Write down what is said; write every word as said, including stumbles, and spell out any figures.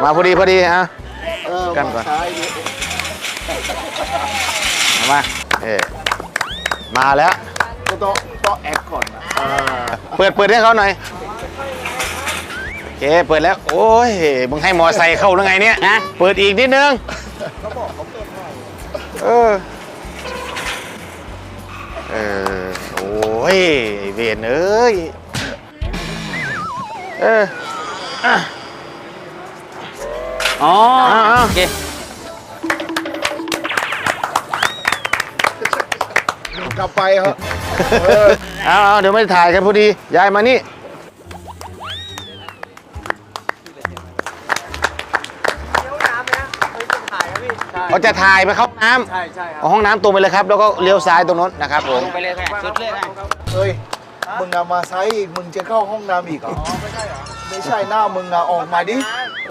มาพอดีพอดีฮะเออกันก่อนซ้ายดิมาเออมาแล้วก็ต้องต้องแอคก่อนนะอ่าเปิดเปิดให้เขาหน่อยโอเคเปิดแล้วโอ้ยมึงให้มอไซค์เข้าหรือไงเนี่ยนะเปิดอีกนิดนึงเออเออโอ้ยไอ้เวรเอ้ยเอออ่ะอ๋ออ่าโอเคกลับไปเหรอเออเอาเอาเดี๋ยวไม่ถ่ายกันพอดียายมานี่เขาจะถ่ายไปเข้าห้องน้ำใช่ใช่ครับเอาห้องน้ำตรงไปเลยครับแล้วก็เลี้ยวซ้ายตรงนู้นนะครับผมลงไปเลยค่ะสุดเลยค่ะเฮ้ยมึงเอามาซ้ายอีกมึงจะเข้าห้องน้ำอีกเหรอไม่ใช่เหรอไม่ใช่หน้ามึงอะออกมาดิ